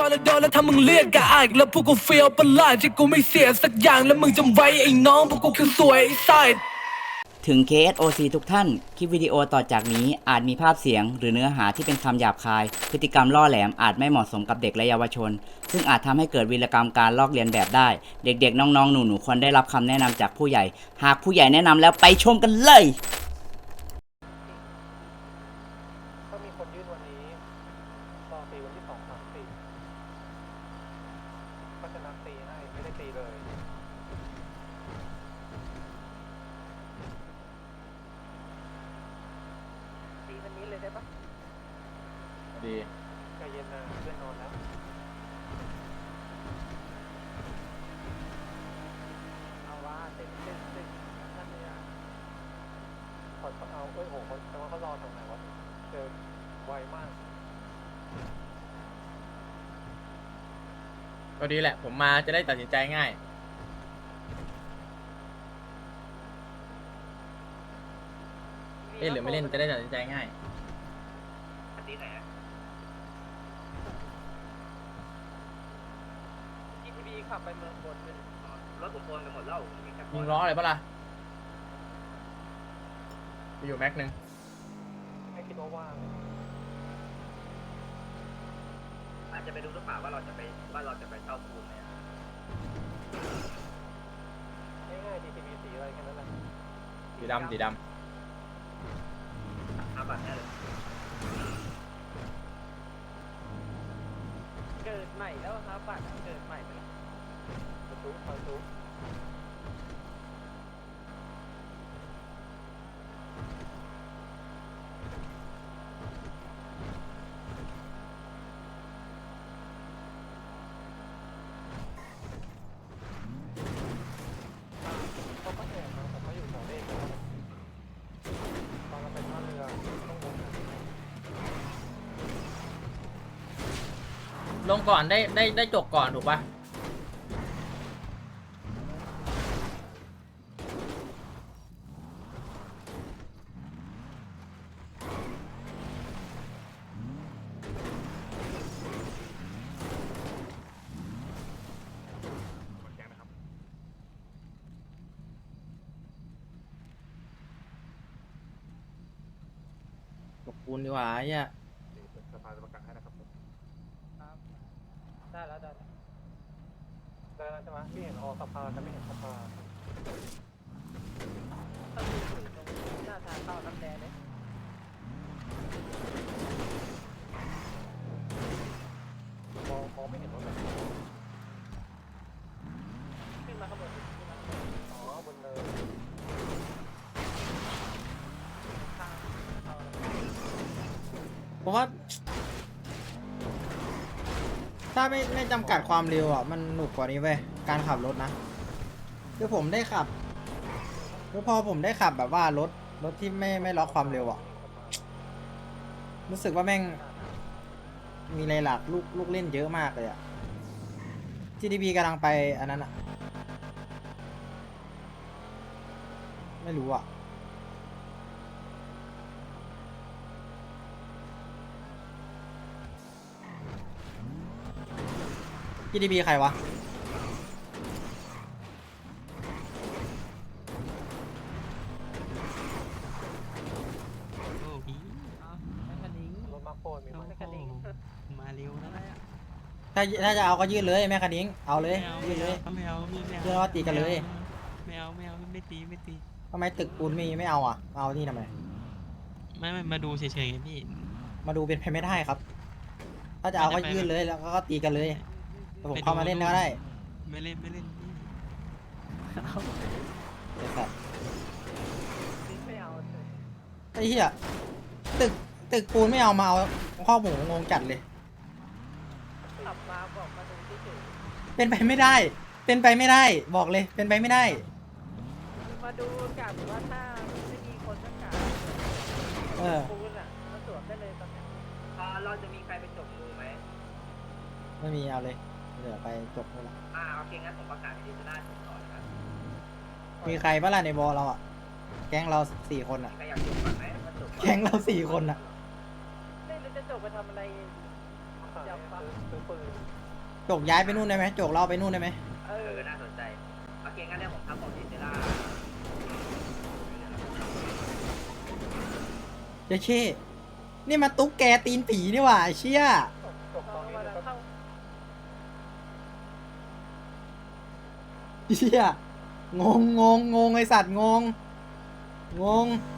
แล้วโดนแล้วถ้ามึงเรียกกะอายแล้วพวกกูเฟียวประหลาดที่กูไม่เสียสักอย่างแล้วมึงจำไว้ไอ้น้องพวกกูคือสวยไอ้ไซด์ถึง KSOC ทุกท่าน คลิปวิดีโอต่อจากนี้อาจมีภาพเสียงหรือเนื้อหาที่เป็นคำหยาบคาย พฤติกรรมล่อแหลมอาจไม่เหมาะสมกับเด็กและเยาวชน ซึ่งอาจทำให้เกิดวีรกรรมการลอกเลียนแบบได้ เด็กๆ น้องๆ หนูๆ ควรได้รับคำแนะนำจากผู้ใหญ่ หากผู้ใหญ่แนะนำแล้วไปชมกันเลยถ้ามีคนยื่นวันนี้รอตีวันที่2 3 4เพราะฉะนั้นตีให้ไม่ได้ตีเลยตีวันนี้เลยได้ปะดีใจเย็นนะเพื่อนนอนแล้วเอาว่าเต็มนั่นเนี่ยขอเอาโหแต่ว่าเขารอตรงไหนวะเจอไวมากก็ดีแหละผมมาจะได้ตัดสินใจง่ายเล่นหรือไม่เล่นจะได้ตัดสินใจง่ายตีไหนอะ GTB ขับไปเมืองบนเป็นรถผมโอนไปหมดแล้วยิงล้ออะไรปะล่ะไปอยู่แม็กนึงไม่คิดว่าว่างอาจจะไปดูหรือเปล่าว่าเราจะไปเช่าปูนไหมง่ายๆ GTB สีอะไรแค่นั้นแหละสีดำบัตรแน่เลยเกิดใหม่แล้วครับบัตรเกิดใหม่เลยประตูเขาก็แอบมาแต่เขาอยู่แถวเลขแล้วตอนเราไปท่าเรือต้องวนลงก่อนได้จบก่อนถูกปะจบปูนดีกว่าไอ้เนี่ยสภาจะประกาศให้นะครับได้แล้วใช่ไหมพี่เห็นสภาแต่ไม่เห็นสภาต้องมีอยู่ตรงหน้าทางเข้าน้ำแดงเลยมองไม่เห็นรถเลยขึ้นมาข้างบนอ๋อบนเลยผมว่าถ้าไม่จำกัดความเร็วอ่ะมันหนุกกว่านี้เว้ยการขับรถนะคือผมได้ขับคือพอผมได้ขับแบบว่ารถที่ไม่ล็อกความเร็วอ่ะรู้สึกว่าแม่งมีอะไรหลักลูกเล่นเยอะมากเลยอ่ะ GTB กำลังไปอันนั้นอ่ะไม่รู้อ่ะGTB ใครวะโอ้พี่แมคคานิงรถมาโคตรมีแมคคานิงมาเร็วแล้วเนี่ยถ้าจะเอาก็ยื่นเลยแม่คันนิ้งเอาเลยยื่นเลยไม่เอาพี่ไม่เอาเชื่อว่าตีกันเลยไม่เอาไม่ตีทำไมตึกปูนไม่เอาอ่ะเอานี่ทำไมไม่มาดูเฉยๆไงพี่มาดูเป็นไปไม่ได้ครับ ถ้าจะเอาก็ยื่นเลยแล้วก็ตีกันเลยแต่ผมเข้ามาเล่นก็ได้ไม่เล่นพี่ไอ้สัสไม่เอาไอ้เหี้ยตึกปูนไม่เอามาเอาข้อหมูงงจัดเลยขับมาบอกมาดูที่จุดเป็นไปไม่ได้ เป็นไปไม่ได้บอกเลยเป็นไปไม่ได้มาดูกับว่าถ้าไม่มีคนสักการเออปูนอ่ะมาตรวจได้เลยตอนนี้เราจะมีใครไปจบมือไหมไม่มีเอาเลยเดี๋ยวไปจบเลยละโอเคงั้นผมประกาศที่จะได้ผมก่อนนะครับมีใครบ้างล่ะในบอเราอ่ะแก๊งเรา4 คนอ่ะใครอยากจบก่อนไหมมาจบก่อนแก๊งเรา4 คนอ่ะเล่นแล้วจะจบไปทำอะไรกซื้อปืนโจกย้ายไปนู่นได้ไหมโจกเราไปนู่นได้ไหมน่าสนใจโอเคงั้นเดี๋ยวผมทำของเซล่าเจ๊เช่นี่มันตุ๊กแกตีนผีนี่หว่าไอ้เชี่ยจบตอนนี้นะครับเชี่ยงงไอสัตว์งง